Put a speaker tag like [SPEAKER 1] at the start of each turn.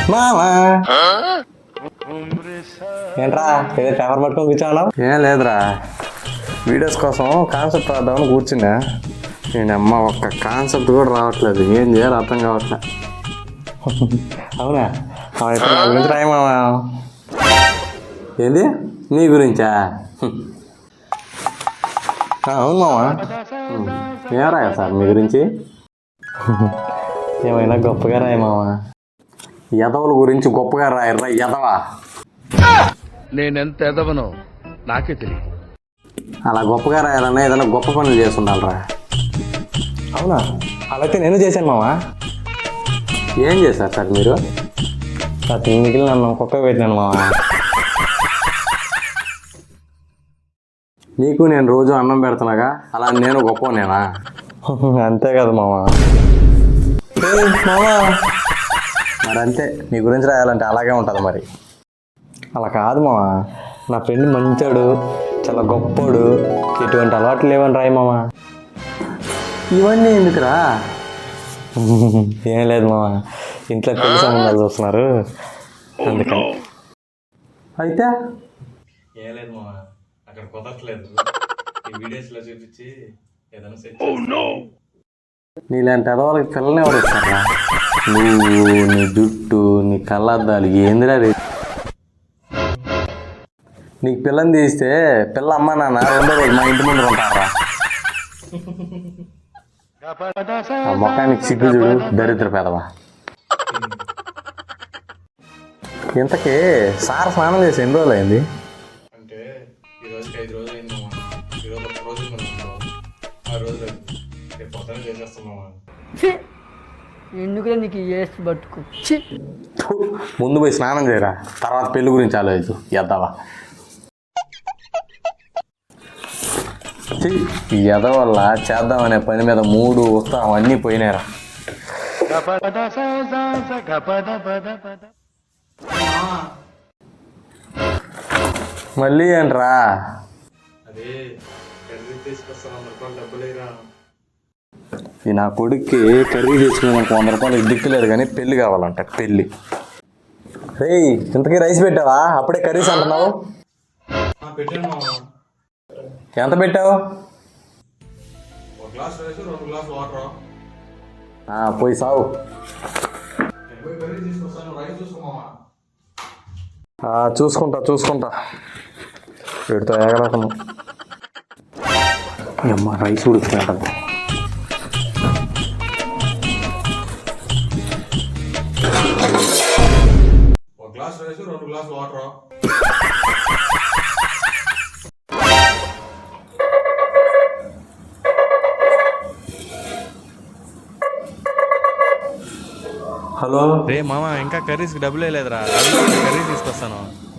[SPEAKER 1] మామా ఏంట్రా ఏదో పేపర్ పట్టుకొని కూర్చోన్నావు? ఏం లేదురా, వీడియోస్ కోసం కాన్సెప్ట్ రాద్దామని కూర్చున్నా. నేను అమ్మ ఒక్క కాన్సెప్ట్ కూడా రావట్లేదు, ఏం చేయాలి అర్థం కావట్లే. అవునా, నా గురించి రాయమామా. ఏంది నీ గురించా? అవును మామా. ఏం రాయా సార్ మీ గురించి? ఏమైనా గొప్పగా రాయమామా. ఎదవల గురించి గొప్పగా రాయర్రా ఎదవా.
[SPEAKER 2] నేనెంత ఎదవనో నాకే తెలియదు.
[SPEAKER 1] అలా గొప్పగా రాయాలన్నా ఏదైనా గొప్ప పనులు చేస్తుండాలరా. అవునా, అలాగే నేను చేశాను మామా. ఏం చేశారు సార్ మీరు? మిగిలిన నన్ను కుక్క పెట్టినాను మామా. నీకు నేను రోజు అన్నం పెడుతున్నాగా, అలా నేను గొప్పనేనా? అంతే కదా మామా. మామా మరి అంతే, నీ గురించి రాయాలంటే అలాగే ఉంటుంది మరి. అలా కాదు మామా, నా ఫ్రెండ్ మంచోడు, చాలా గొప్పోడు, ఎటువంటి అలవాట్లు లేవని రాయి మామా. ఇవన్నీ ఎందుకురా? ఏం లేదు మామా, ఇంట్లో పెళ్లి సంబంధాలు చూస్తున్నారు అందుకని. అయితే ఏం లేదు మామా, అక్కడ కుదరట్లేదు, ఈ వీడియోస్లో చూపించి ఏదైనా సెట్. నీలాంటి అదవాళ్ళకి పిల్లని ఎవరు ఇస్తారా? నువ్వు, నీ జుట్టు, నీ కళ్ళద్దాలు, ఏందిరా రే. నీకు పిల్లని తీస్తే పిల్ల అమ్మ నాన్న రెండో రోజు మా ఇంటి ముందు ఉంటారా? ఆ మొక్కానికి సిగ్గు చూడు, దరిద్ర పెదవా. ఇంతకీ సార్ స్నానం చేసి ఎన్ని రోజులు అయింది? అంటే ఈ రోజుకి 5 రోజులు అయింది మామ. ఈరోజు 1 రోజు ఆ రోజు రేపు పొద్దున చేసేస్తున్నామా.
[SPEAKER 3] ఎందుకు నీకు ఏసి పట్టుకు.
[SPEAKER 1] ముందు పోయి స్నానం చేయరా, తర్వాత పెళ్లి గురించి ఆలోచించు ఎద్దవా. ఎద వల్ల చేద్దామనే పని మీద 3 ఉత్సాహం అన్నీ పోయినారా. మళ్ళీ ఏంట్రా? ఈ నా కొడుక్కి కర్రీ తీసుకున్నాక 100 రూపాయలు దిక్కులేదు, కానీ పెళ్ళి కావాలంట. పెళ్ళి రే, ఇంతకీ రైస్ పెట్టావా? అప్పుడే కర్రీస్ అంటున్నావు. ఎంత పెట్టావు? పోయి సావు. చూసుకుంటా వీడితో ఏగలేకను. అమ్మ రైస్ ఉడుకుతుంటది. హలో
[SPEAKER 4] రే మామ, ఇంకా కర్రీస్కి డబ్బులే లేదురా, కర్రీ తీసుకొస్తాను.